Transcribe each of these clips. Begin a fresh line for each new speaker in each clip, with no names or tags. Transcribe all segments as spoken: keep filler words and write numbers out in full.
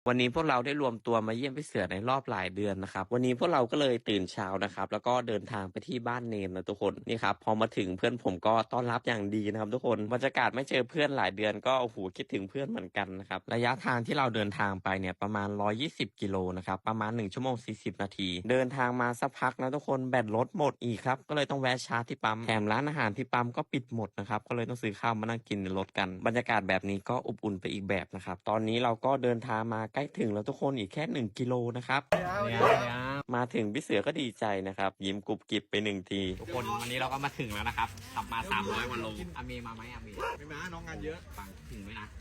วันนี้พวกเราได้รวมตัวมาเยี่ยมพี่เสือในรอบหลายเดือนนะครับวันนี้พวกเราก็เลยตื่นเช้านะครับแล้วก็เดินทางไปที่บ้านเนนนะทุกคนนี่ครับพอมาถึงเพื่อนผมก็ต้อนรับอย่างดีนะครับทุกคนบรรยากาศไม่เจอเพื่อนหลายเดือนก็โอ้โหคิดถึงเพื่อนเหมือนกันนะครับระยะทางที่เราเดินทางไปเนี่ยประมาณหนึ่งร้อยยี่สิบกิโลนะครับประมาณหนึ่งชั่วโมงสี่สิบนาทีเดินทางมาสักพักนะทุกคนแบตรถหมดอีกครับก็เลยต้องแวะชาร์จที่ปั๊มแถมร้านอาหารที่ปั๊มก็ปิดหมดนะครับก็เลยต้องซื้อข้าวมานั่งกินในรถกันบรรยากาศแบบนี้ก็อบอุ่นไปอีกแบบนะครับตอนนี้เราก็เดินทางมาใกล้ถึงแล้วทุกคนอีกแค่หนึ่งกิโลนะครับมาถึงพี่เสือก็ดีใจนะครับยิ้มกรุบกริบไปหนึ่งทีทุกคนวันนี้เราก็มาถึงแล้วนะครับขับมาสามร้อยกว่าโลอาเมมาไหมอาเม
ไม่มาน้องงานเยอะ
ฟังถึงไหมนะ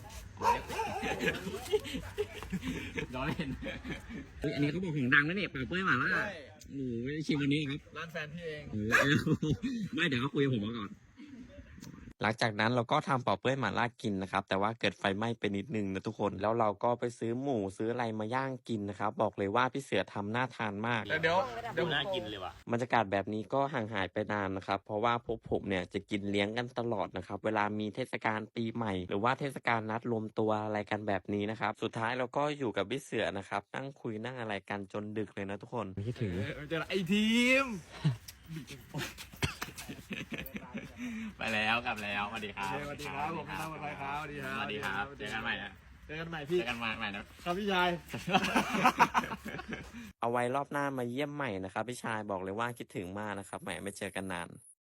ร้อยเล่นอันนี้เขาบอกของดังนะเนี่ยเปิดเผยมาแล้วหนูชิมวันนี้ครับ
ร้านแฟนพี่เอง
ไม่เดี๋ยวเขาคุยกับผมมาก่อนหลังจากนั้นเราก็ทำเป่าเปื้อยหม่าล่ากินนะครับแต่ว่าเกิดไฟไหม้ไปนิดนึงนะทุกคนแล้วเราก็ไปซื้อหมูซื้ออะไรมาย่างกินนะครับบอกเลยว่าพี่เสือทำน่าทานมาก
เดี๋ยวเดี๋ยว
น่ากินเลยว่ะบรรยากาศแบบนี้ก็ห่างหายไปนานนะครับเพราะว่าพวกผมเนี่ยจะกินเลี้ยงกันตลอดนะครับเวลามีเทศกาลปีใหม่หรือว่าเทศกาลนัดรวมตัวอะไรกันแบบนี้นะครับสุดท้ายเราก็อยู่กับพี่เสือนะครับนั่งคุยนั่งอะไรกันจนดึกเลยนะทุกคนคิดถึง
เจอไอทีม
ไปแล้วกลับแล้วสวัสดีครับ
สวัสดีครับผมตั้งวันไรครับสวัสดีครับ
สวัสดีครับเจอกันใหม่นะ
เจอกันใหม่พี่
เจอกันใหม่
นะครับพี่ชาย
เอาไว้รอบหน้ามาเยี่ยมใหม่นะครับพี่ชายบอกเลยว่าคิดถึงมากนะครับแหมไม่เจอกันนาน